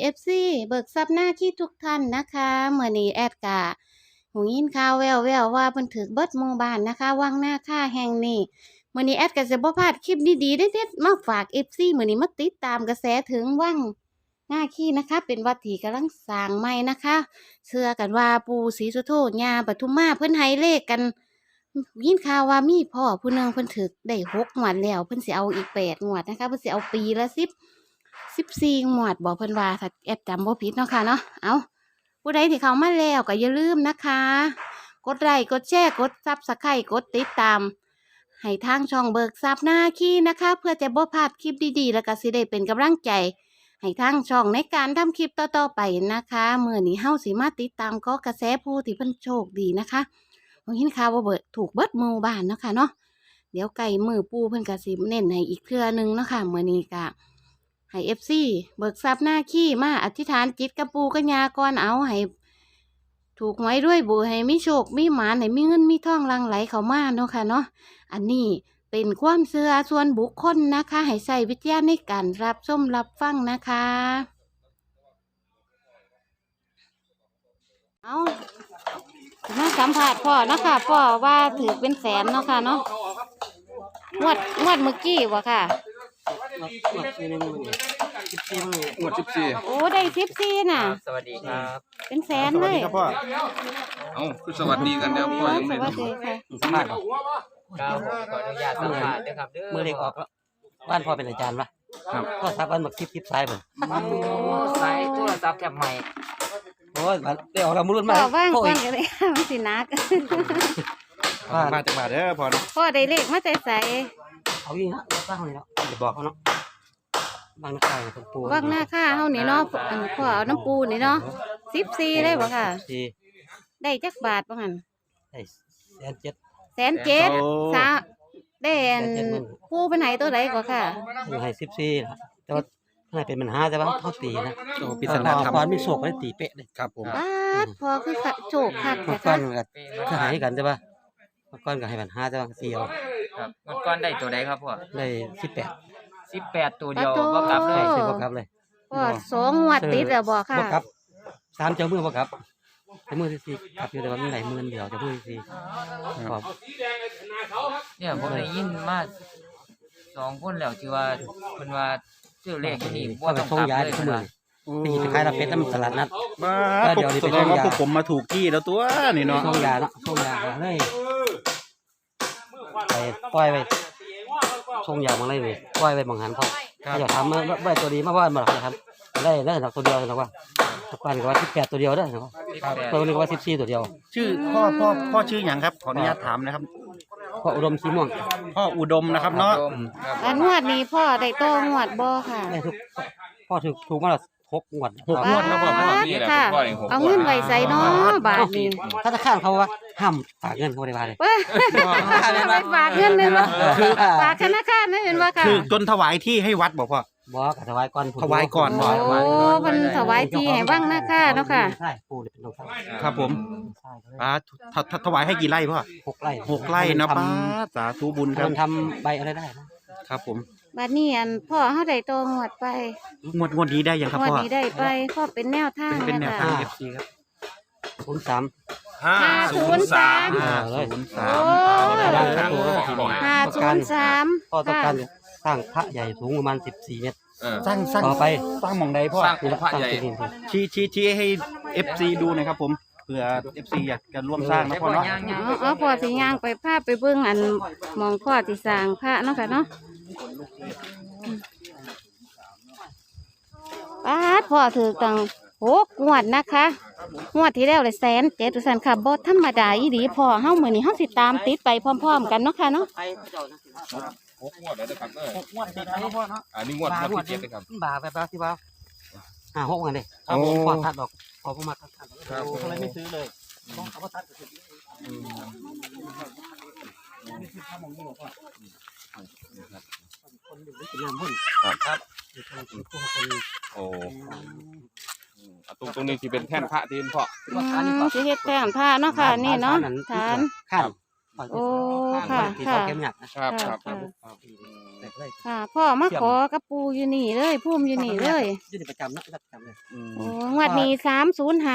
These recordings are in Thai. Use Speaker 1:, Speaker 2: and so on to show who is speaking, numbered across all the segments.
Speaker 1: FC เบิกทรัพย์หน้าที่ทุกท่านนะคะมื้อนี้แอดกะหูยินข่าวแว่วๆว่าเพิ่นถูกเบิดหมู่บ้านนะคะวังหน้าค่าแห่งนี้มื้อนี้แอดก็สิบ่พลาดคลิปดีๆเด็ดๆมาฝาก FC มื้อนี้มาติดตามกระแสถึงวังหน้าขี้นะคะเป็นวัดที่กำลังสร้างใหม่นะคะเชื่อกันว่าปู่ศรีสุโธย่าปทุมมาเพิ่นให้เลขกันยินข่าวว่ามีพ่อผู้หนึงเพิ่นถูกได้6งวดแล้วเพิ่นสิเอาอีก8งวดนะคะเพิ่นสิเอาปีละ14งวดบอกเพิ่นว่าถ้าแอดจำบ่ผิดเนาะค่ะเนาะเอาผู้ใดที่เข้ามาแล้วก็อย่าลืมนะคะ กดไลค์กดแชร์กดSubscribeกดติดตามให้ทางช่องเบิกทรัพย์หน้าขี้นะคะ เพื่อจะบ่พลาดคลิปดีๆแล้วก็สิได้เป็นกำลังใจให้ทางช่องในการทำคลิปต่อๆไปนะคะมื้อนี้เฮาสิมาติดตามก็กระแสผู้ที่เพิ่นโชคดีนะคะบ่เห็นข่าวว่าถูกเบิดหมู่บ้านเนาะค่ะเนาะเดี๋ยวไก่มือปูเพิ่นก็สิเน้นให้อีกเทื่อนึงเนาะค่ะมื้อนี้ก็ให้ FC เบิกทรัพย์หน้าขี้มาอธิษฐานจิตกับปู่กับย่าก่อนเอาให้ถูกหวยด้วยบุให้มีโชคมีหมานให้มีเงินมีทองหลั่งไหลเข้ามาเนาะค่ะเนาะอันนี้เป็นความเชื่อส่วนบุคคลนะคะให้ใช้วิจารณ์ในการรับชมรับฟังนะคะเอามาสัมผัสพ่อเนาะค่ะพ่อว่าถือเป็นแสนเนาะค่ะเนาะงวดเมื่อกี้วะค่ะ
Speaker 2: งวด14
Speaker 1: โอ้ได้14น่ะ
Speaker 3: สวัสดีครับ
Speaker 1: เป็นแสนเลย
Speaker 2: ครับพ่อเอ้าคือสวัสดีกันแล้วพ่อยัง
Speaker 1: ส
Speaker 2: ไม่
Speaker 1: วัสดีค่ะ
Speaker 3: สัมภาษณ์ครับขออนุญาตสัมภาษณ์ด้วยครับ
Speaker 4: เมื่อเด็กออกแล้วบ้านพ่อเป็นอาจารย์ปะ
Speaker 2: ครับ
Speaker 4: พ่อทับบ้านหมักทิพย์ซ้ายผม
Speaker 3: สายโทรศัพท์แคบใหม่
Speaker 4: โอ้ยได้ออกเรามุรุ่น
Speaker 1: พ่
Speaker 4: มา
Speaker 1: อว่าง
Speaker 4: พ่อ
Speaker 1: ก่อ
Speaker 4: อี
Speaker 1: น
Speaker 4: ก
Speaker 1: ก็ได้ค่ะมันสินัก
Speaker 2: มาจากบาทเด้อพ่อเนาะ
Speaker 1: พ่อได้เลขมาแต่ใส
Speaker 4: เอาอีกนะสร้างเลยเนาะจะบอกเขาเนาะบางนักข่าวเป็นปู
Speaker 1: ว่างหน้าค่าเฮานี่เนาะอันพ่อเอาน้ำปูนี่เนาะ14เลยบ่ค่ะ
Speaker 4: สี่
Speaker 1: ได้จักบาทบ่หั่น
Speaker 4: ได้107,000
Speaker 1: 107,000ซะได้อันปูเพิ่นให้ตัวใดกว่าค่ะ
Speaker 4: ให้14นะแต่ว่าข้างในเป็นปัญหาแต่ว่าเขาตีนะ
Speaker 2: โอ้ปริศนาธรรม
Speaker 4: ความมีโศกได้ตีเป๊ะเลย
Speaker 2: ครับผม
Speaker 1: บาดพ่อคือโชคคัก
Speaker 4: เมื่
Speaker 1: แต่
Speaker 4: อก่อ
Speaker 1: ค่ะ
Speaker 4: นก็หายกันใช่ปะเมื่อก่อนก็ให้ปัญหาแต่ว่าเสียว
Speaker 3: ครับเมื่อก่อนได้ตัวใดครับพ่อ
Speaker 4: ได้
Speaker 3: 18ตัวเดียวบ่กลับเล
Speaker 4: 18
Speaker 3: ย
Speaker 4: ได้ซื้อบ่กลับเลย
Speaker 1: พ่อ2งวดติดแล้วบ่ค่ะ
Speaker 4: บ่กลับ3เจ้ามือบ่กลับแต่มือที่สี่กลับอยู่แต่ว่ามีหลายหมื่นเดียวจะมือที่สี่ขอบ
Speaker 3: เนี่ยผมได้ยินมา2คนแล้วที่ว่าเพิ่นว่าชื่อเลขที่นี่บ่
Speaker 4: ก็ไป
Speaker 3: ต้อง
Speaker 4: ส่ง
Speaker 3: กลับ
Speaker 4: ยา
Speaker 3: เลย
Speaker 4: ทุก
Speaker 3: เพิ่น
Speaker 4: มือ
Speaker 3: ว่า
Speaker 4: ไปหยิบไปขายรับเป็ดน้ำตลาดนัด
Speaker 2: มา
Speaker 4: เดี๋ยวนี้
Speaker 2: แส
Speaker 4: ไป
Speaker 2: ดงว่า
Speaker 4: ส่งยา
Speaker 2: พวกผมมาถูกที่แล้วตัวนี่เนาะ
Speaker 4: ส่งยาเนาะส่งยาเลยไปปล่อยไปส่งยามาเลยนี่ปล่อยไปบังหันเขาอยากทำมาได้ตัวดีมากว่ามาเขาทำได้หนักตัวเดียวนะว่าตะกันก็ว่า18ตัวเดียวได้นะว่าตัวนึงว่า14ตัวเดียว
Speaker 2: ชื่อพ่อชื่อหยังครับขออนุญาตถามนะครับ
Speaker 4: เพราะอุดมสีม่วง
Speaker 2: พ่ออุดมนะครับเนาะ
Speaker 3: ครับ
Speaker 1: อันงวดนี้พ่อได้โตงวดบ่ค่ะ
Speaker 4: ได้ทุกพ่อถูกมาแล้ว6 งวด
Speaker 2: 6 งวดแล้วพ่อ
Speaker 1: บาดค่ะเอาเงินไว้ใส่เนาะบาทนี้
Speaker 4: ธนาคารเขาว่าห้ามฝากเงินเขาได้ว่าเลย
Speaker 1: เว้ยไปฝากเงินเลยเนาะฝากธนาคารนะเห็นว่าค่ะ
Speaker 2: คือจนถวายที่ให้วัดบอกพ่อ
Speaker 4: บอกถวายก่อน
Speaker 2: ถวายก่อน
Speaker 1: โอ้เพิ่นถวายที่ให้วังหน้าค่าเนาะค่ะ
Speaker 4: ใช่ปู่เลยเป็นน้องชาย
Speaker 2: ครับผม
Speaker 4: ใช่เขาเลย
Speaker 2: ถวายให้กี่ไร่พ่อ
Speaker 4: 6 ไร่
Speaker 2: 6 ไร่นะป้าสาธุบุญครับ
Speaker 4: ทำใบอะไรได้นะครับ
Speaker 2: ผม
Speaker 1: บัดนี้อันพ่อเฮาได้โตงวดไป
Speaker 2: งวดนี้ได้ยังครับ
Speaker 1: งวด
Speaker 2: พ่อ
Speaker 1: นี้ได้ไปพ่อเป็นแนวทาง
Speaker 2: เป็นแนวทาง
Speaker 1: ค่ะ
Speaker 2: FC ครับ
Speaker 4: 03
Speaker 1: 503
Speaker 4: เลย
Speaker 1: 503
Speaker 4: พ่อต้องการสร้างพระใหญ่สูงประมาณ14 เมตร
Speaker 2: สร้าง
Speaker 4: ต่อไป
Speaker 2: สร้างหมองใดพ่อ
Speaker 4: นี่ละสร้างที่ดิน
Speaker 2: ชี้ให้ FC ดูหนะครับผมเผื่อ FC อยากจะร่วมสร้างนะพ่อเนาะ
Speaker 1: เอาพ่อสิย่างไปพาไปเบิ่งอันหมองพ่อสิสร้างพระเนาะค่ะเนาะป๊าดพ่อถือตัง6 งวดนะคะงวดที่แล้วเลย107,000ซั่นค่ะบ่ธรรมดาอีหลีพ่อเฮามื้อนี้เฮาสิตามติดไปพร้อมๆกันเนาะค่ะเนาะ
Speaker 5: 6 งวดแล้วนะครับ
Speaker 4: 6 งวดติดแล้วพ่อเนาะ
Speaker 5: อันนี้งวดที่7นะครับ
Speaker 4: บาแบบที่ว่า5-6กันเลยเอาพ่อทัดดอกพอผมมาทัดเขาเลยไม่ซื้อเลยต้องเขาทัดคนอยู่ที่น้ำพุ่นครับ
Speaker 5: โอ้ตรงนี้ที่เป็นแท่นพระที่เป็นพ่อ
Speaker 1: สิเฮ็ดแท่นพระเนาะค่ะนี่เนาะฐาน
Speaker 4: ขั้น
Speaker 1: โอ้ค่ะค่ะ
Speaker 4: เข้มหยัก
Speaker 5: ครับครับ
Speaker 1: ค่ะ
Speaker 4: แต่ได้
Speaker 1: ค่ะพ่อมาขอกับปูอยู่นี่เลยพุ่มอยู่นี่เลย
Speaker 4: อยู่ในประจำเนาะประจำเลย
Speaker 1: โอ้งวดนี้305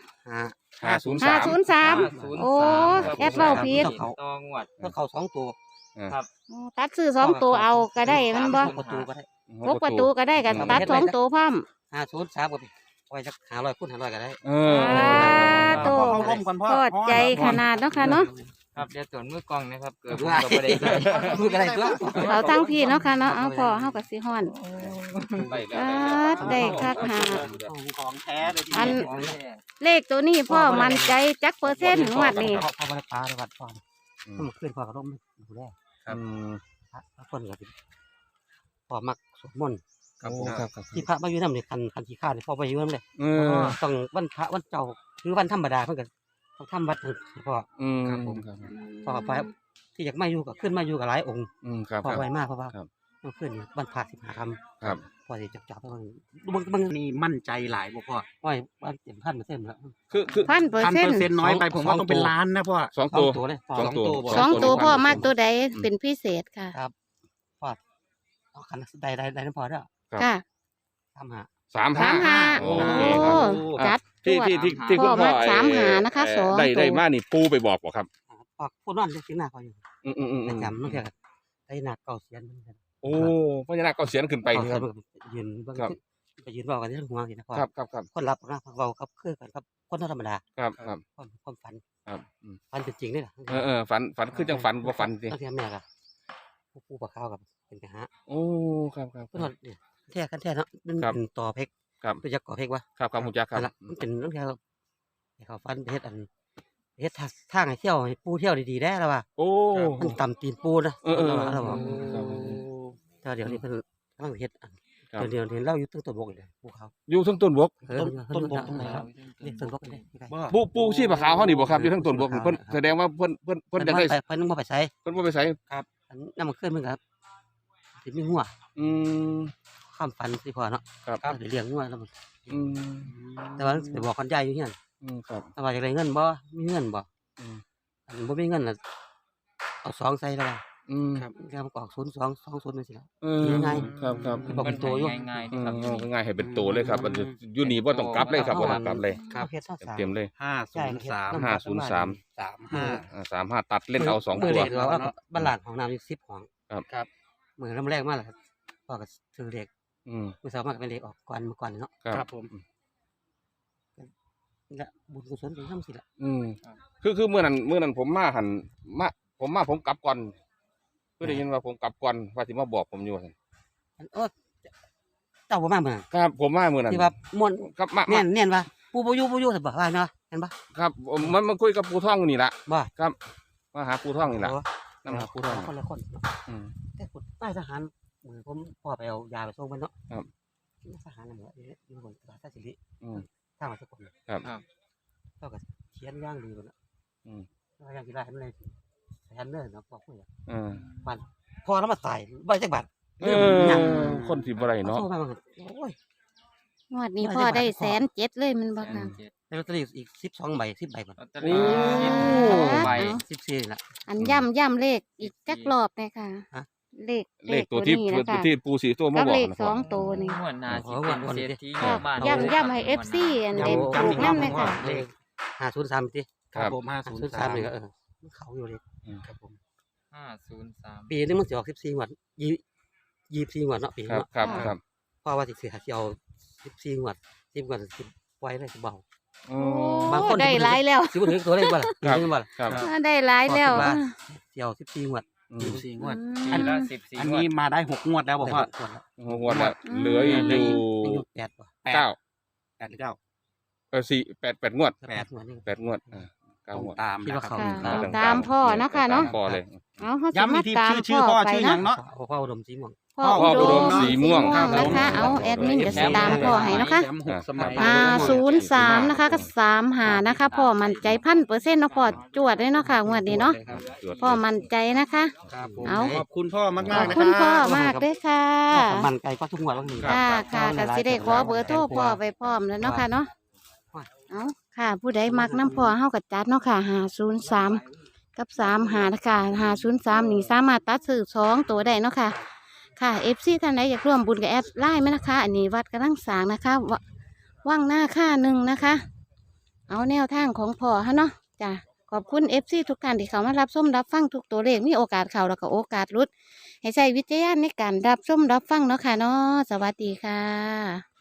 Speaker 5: 503
Speaker 1: โอ้แอดเว้าผิด
Speaker 3: ตองหวัด
Speaker 4: ก็เขา2ตัว
Speaker 1: โอ้ตัดซื้อ2ตัวเอาก็ได้มันบ่
Speaker 4: ประตูก็ได้
Speaker 1: พกประตูก็ได้ก็ตัด2ตัวพร้อม
Speaker 4: 503ก็ไปไว้สัก500คูณ500ก็ได้
Speaker 1: โต
Speaker 2: เข้าร่มก่อนพ่อ
Speaker 1: พอใจขนาดเนาะค่ะเนาะ
Speaker 3: ครับเดี๋ยวตรวจมือกล้องนะครับเกิดผมก็บ่ได้ใส่
Speaker 4: มือก็ได้ตัว
Speaker 1: เอาทั้งพี่เนาะค่ะเนาะเอาพอเฮาก็สิฮ้อน
Speaker 5: ได้แล้ว
Speaker 1: ได้คักหา
Speaker 2: ของแท้เลยที
Speaker 1: อัน
Speaker 2: นี้
Speaker 3: ของแท้
Speaker 1: เลขตัวนี้พ่อมั่นใจจักเปอร์เซ็นต์งวดนี้
Speaker 4: พ่อบ่ได้ปลาได้วัดพ่อมันขึ้นพ่อก็ต้องดูแล
Speaker 5: ครับ
Speaker 4: พระคนก็สิพ่อมักสวดมนต์
Speaker 5: ครับผมครับครับ
Speaker 4: ที่พระมาอยู่นำนี่คันขี้ข้านี่พ่อบ่อยู่นำเลย ต้องวันพระวันเจ้าคือวันธรรมดาเพิ่นก็ต้องทำวัดให้พ่อ
Speaker 5: ครับผมครับ
Speaker 4: พ่อไปที่อยากมาอยู่ก็ขึ้นมาอยู่กับหลายองค์
Speaker 5: ครับ
Speaker 4: พ่อ
Speaker 5: ครับ
Speaker 4: ไวมากเพราะว่า
Speaker 5: ครับ
Speaker 4: ต้องขึ้นวันพระ15 ค่ำ
Speaker 5: ครับ
Speaker 4: พ่อสิจับๆไปเบิ่ง
Speaker 2: นี่มั่นใจหลายบ่พ่อ
Speaker 4: อ้อยบ้านเต็มพันเปอร์เซ็นต์แล้ว
Speaker 5: คือ
Speaker 2: 1,000%น้อยไปผมว่าต้องเป็นล้านนะพ่อ
Speaker 5: สอง
Speaker 4: สอ
Speaker 5: ตั
Speaker 4: ง
Speaker 5: ว
Speaker 4: ตัวเลยพ่อ
Speaker 5: สองตัว
Speaker 4: บ่
Speaker 1: สองตัวพ่อมากตัวใดเป็นพิเศษค่ะ
Speaker 4: ครับพ่อเอาคันได้น้ำพอเด้อ
Speaker 1: ค่ะ
Speaker 5: 35
Speaker 1: โอ้
Speaker 5: โอเคครับ
Speaker 1: จัด
Speaker 5: ที่คุณ
Speaker 1: พ่
Speaker 5: พ่
Speaker 1: อ
Speaker 5: อ
Speaker 1: มา35นะคะสอง
Speaker 5: ได้
Speaker 1: ตัว
Speaker 5: มานี่ปูไปบอกบ่ครับ
Speaker 4: พ่อพูดนั่นสิหน้าพ่ออยู่
Speaker 5: อืม
Speaker 4: ประจำนั่นแค่ได้หนักเก่าเสียนเหมือนกัน
Speaker 5: โอ้พญานาคก็เสียนขึ้นไปนี่ครับ
Speaker 4: ยืนเบิ่ง
Speaker 5: ครับ
Speaker 4: ไปยืนเว้ากันที่หัวสินะพ่อ
Speaker 5: ครับ
Speaker 4: คนรับนะเว้าครับคือกันครับคนธรรมดา
Speaker 5: ครับ
Speaker 4: ความฝัน
Speaker 5: ครับ
Speaker 4: ฝันเป็นจริงนี่ล่ะ
Speaker 5: ฝันคือจังฝันบ่ฝันสิ
Speaker 4: บางทีแม่ก็ผู้ปกครองกับเป็นกะหะ
Speaker 5: โอ้ครับ
Speaker 4: เพิ่นว่าเนี่ยแท้กันแท้เนาะมัน
Speaker 5: ครับ
Speaker 4: เป็นต่อเพก
Speaker 5: ครับ
Speaker 4: ตัวยักษ์ก่อเพกวะ
Speaker 5: ครับฮู้จักครับ
Speaker 4: นั่นล่ะมันเป็นเรื่องที่ให้เขาฟันไปเฮ็ดเฮ็ดทางให้เที่ยวให้ปูเที่ยวดีๆได้แล้วว่า
Speaker 5: โอ้
Speaker 4: มันต่ำตีนปูนะ เราบอก
Speaker 5: ครับ
Speaker 4: แต่เดี๋ยวนี้เพิ่นกำลังเฮ็ด
Speaker 5: ครับ
Speaker 4: เดี๋ยวเห็นเราอยู่ตึ้งต้นบกอีกเลยภูเขา
Speaker 5: อยู่ทั้งต้นบก
Speaker 2: ต้นบกตรงไหนครับ
Speaker 4: นี่ต้นบกนี่
Speaker 5: ปูชีพขาวเฮานี่บ่ครับอยู่ทั้งต้นบกนี่เพิ่นแสดงว่าเพิ่นจะได้
Speaker 4: เพิ่นบ่ไปใช้
Speaker 5: เพิ่นบ่ไปใส่
Speaker 4: น้ำมันขึ้นมันครับสิมีหัว
Speaker 5: อืม
Speaker 4: ข้ามฟันสิพอเนาะ
Speaker 5: ครับ
Speaker 4: เดี๋ยวเลี้ยงงัวแล้วมัน
Speaker 5: อืม
Speaker 4: แต่ว่าไปบอกคนยายอยู่เฮียน
Speaker 5: ครับ
Speaker 4: ถ้าว่าอยากได้เงินบ่มีเงินบ่
Speaker 5: อืม
Speaker 4: อันบ่มีเงินน่ะเอา2ใส่แล้วว่า
Speaker 5: ครับ
Speaker 4: แล้วมันก็ออก02 20จังซี่ล่ะ
Speaker 5: ง่ายครับ
Speaker 4: บอกเป็นตัวอยู่
Speaker 3: ง่ายๆนะครับ
Speaker 5: ง่ายให้เป็นตัวเลยครับมันอยู่นี่บ่ต้องกลับเลยครับบ่ต้องกลับเลย
Speaker 4: ครับเฮ็ดซะ
Speaker 5: เต็มเลย
Speaker 2: 503
Speaker 5: 35ตัดเล่นเอา2
Speaker 4: มื้
Speaker 5: ตั
Speaker 4: อ
Speaker 5: ว
Speaker 4: นี้ว่าบ้านหลานของน้ำอยู่10ห้อง
Speaker 5: ครับ
Speaker 4: มื้อน้ำแรกมาแล้วครับพ่อก็ซื้อเลข
Speaker 5: อืม
Speaker 4: มื้อเช้ามาก็เป็นเลขออกก่อนเมื่อก่อนเนาะ
Speaker 5: ครับ
Speaker 4: และบุญกุศลเป็นจังซี่ล่ะ
Speaker 5: คือมื้อนั้นผมมาหันผมกลับก่อนคือได้ยินว่าผมกลับก่อนว่าสิมาบอกผมอยู่ว่าซั่น
Speaker 4: โอ้เจ้าบ่มามื้อนั้น
Speaker 5: ครับผมมามื้อนั้น
Speaker 4: ที่ว่าม่วน
Speaker 5: ครับมา
Speaker 4: แน่นว่าปู่บ่อยู่สิบ่ว่าเนาะเห็นบ่
Speaker 5: ครับมันคุยกับปู่ท่องอยู่นี่ล่ะ
Speaker 4: บ่
Speaker 5: ครับมาหาปู่ท่องนี่ล่ะ
Speaker 4: โอ้
Speaker 5: นำหาปู่ท่อง
Speaker 4: คนละคน
Speaker 5: อืม
Speaker 4: แต่คนนายทหารมือผมพ่อไปเอายาไปส่งมันเนาะ
Speaker 5: ครับ
Speaker 4: นายทหารน่ะเหมือนอยู่บนตลาดท่าสิริ
Speaker 5: อืม
Speaker 4: ทางมาสกล
Speaker 5: ครับ
Speaker 4: เท่ากับเขียนย่างดีกว่าเนาะ
Speaker 5: อืม
Speaker 4: ว่าย่างกีฬาให้มันเลยแทนเด้อเนาะบอกคุยอ่ะ
Speaker 5: เออ
Speaker 4: วันพอแล้วมาใส่ใบจักบาท
Speaker 5: คนสิบ่ได้เนาะ
Speaker 4: โทรมาว่าโอ้ย
Speaker 1: งวดนี้พ่อได้107,000เลยมันบ่ค่ะ
Speaker 4: ได้ลอตเตอรี่อีก12ใบ10ใบก่อน
Speaker 3: ลอตเตอรี่
Speaker 1: โอ้
Speaker 3: ใบ
Speaker 4: 14นี่ล่ะ
Speaker 1: อันย่ำเลขอีกจักรอบเลยค่ะ
Speaker 4: ฮะ
Speaker 1: เลข
Speaker 5: ตัวที่
Speaker 1: นี้นะคะ
Speaker 5: ที่ปู่สีตัวมา
Speaker 1: กับ
Speaker 5: บอก
Speaker 1: เลข
Speaker 5: นะ
Speaker 1: สองตัวนี่
Speaker 3: งวดหน้าสิเป็นเศรษฐี
Speaker 1: ค่ะ
Speaker 3: บ้าน
Speaker 1: ย่ำให้ FC อันเด็ดถูกนำเลยค่ะ
Speaker 4: เลข503ติ
Speaker 2: ครับผม
Speaker 4: 503นี่ก็มันเข้าอยู่เลย
Speaker 2: ครับผม
Speaker 3: 503
Speaker 4: ปีนึงมันสิออก14งวด24งวดเนาะปี
Speaker 5: ครับ
Speaker 4: เนาะ
Speaker 5: ครับ
Speaker 4: เพราะว่าสิเอา14งวด10งวดสิไว้เลยสิเบา
Speaker 5: อื
Speaker 1: โอ้
Speaker 5: ม
Speaker 4: บางคน
Speaker 1: ได้หลายแล้ว
Speaker 4: สิบ่ถึงตัวเลขบ่ล่ะ
Speaker 5: ครับ
Speaker 4: ถึงบ่ล่ะ
Speaker 5: ครับ
Speaker 1: ได้หลายแล้ว
Speaker 4: ว่าสิเอา14งวด
Speaker 2: 14งวด
Speaker 3: อันละ14
Speaker 2: อันนี้มาได้6งวดแล้วบ่พ่อ
Speaker 4: ได้งวดละ
Speaker 5: หัวละเหลืออยู่
Speaker 4: ยังอยู่8บ่
Speaker 5: 9
Speaker 2: 8หรือ9
Speaker 5: 8 งวด
Speaker 4: 8งวดนี่
Speaker 5: 8 งวด9 งวด
Speaker 2: ตาม
Speaker 4: คิดว่า
Speaker 2: นะครับ
Speaker 4: เขา
Speaker 1: ค่ะตามพ่อเนาะค่ะเนาะ
Speaker 5: พอเลย
Speaker 1: เอาเฮาสิ
Speaker 2: ย้ำ
Speaker 1: มา
Speaker 2: อีกที
Speaker 1: ตาม
Speaker 2: ชื่อพ่อ
Speaker 1: ไป
Speaker 2: ชื่อหยั
Speaker 1: เนาะ
Speaker 2: งเนาะ
Speaker 4: พ่ออุดมสีม่วง
Speaker 1: พ่อ
Speaker 5: พ่ออุดมสีม่วง
Speaker 1: นะคะเอาแอดมินก็สิตามพ่อให้นะคะ
Speaker 2: แชมป์6สมัย
Speaker 1: 503นะคะก็35นะคะพ่อมั่นใจ1,000%เนาะพ่อจวดเลยเนาะค่ะงวดนี้เนาะพ่อมั่นใจนะคะ
Speaker 2: ครับผม
Speaker 1: เอา
Speaker 2: ขอบคุณพ่อมาก
Speaker 1: ข
Speaker 2: มา
Speaker 1: อก บ
Speaker 2: นะ
Speaker 1: คุณ
Speaker 2: ค
Speaker 1: พ่อ
Speaker 2: รับ
Speaker 1: มากเลยค่ะ
Speaker 4: มันไกลก็ทุกงวดแล้วนี่
Speaker 1: ค่ะค่ะก็สิได้ขอเบอร์โทรพ่อไปพร้อมแล้วเนาะค่ะเนาะเอาค่ะ ผู้ใดมักน้ำพ่อเฮาก็จัดเนาะค่ะ503กับ35นะคะ503นี่สามารถตัดซื้อ2ตัวได้เนาะค่ะค่ะ FC ท่านใดอยากร่วมบุญกับแอดไลน์ไหมนะคะ อันนี้วัดกำลังสร้างนะคะว่างหน้าค่าหนึ่งนะคะ เอาแนวทางของพ่อฮะเนาะจ้ะขอบคุณ FC ทุกท่านที่เขามารับชมรับฟังทุกตัวเลขมีโอกาสเข้าแล้วก็โอกาสหลุด ให้ใช้วิจารณญาณในการรับชมรับฟังเนาะค่ะเนาะสวัสดีค่ะ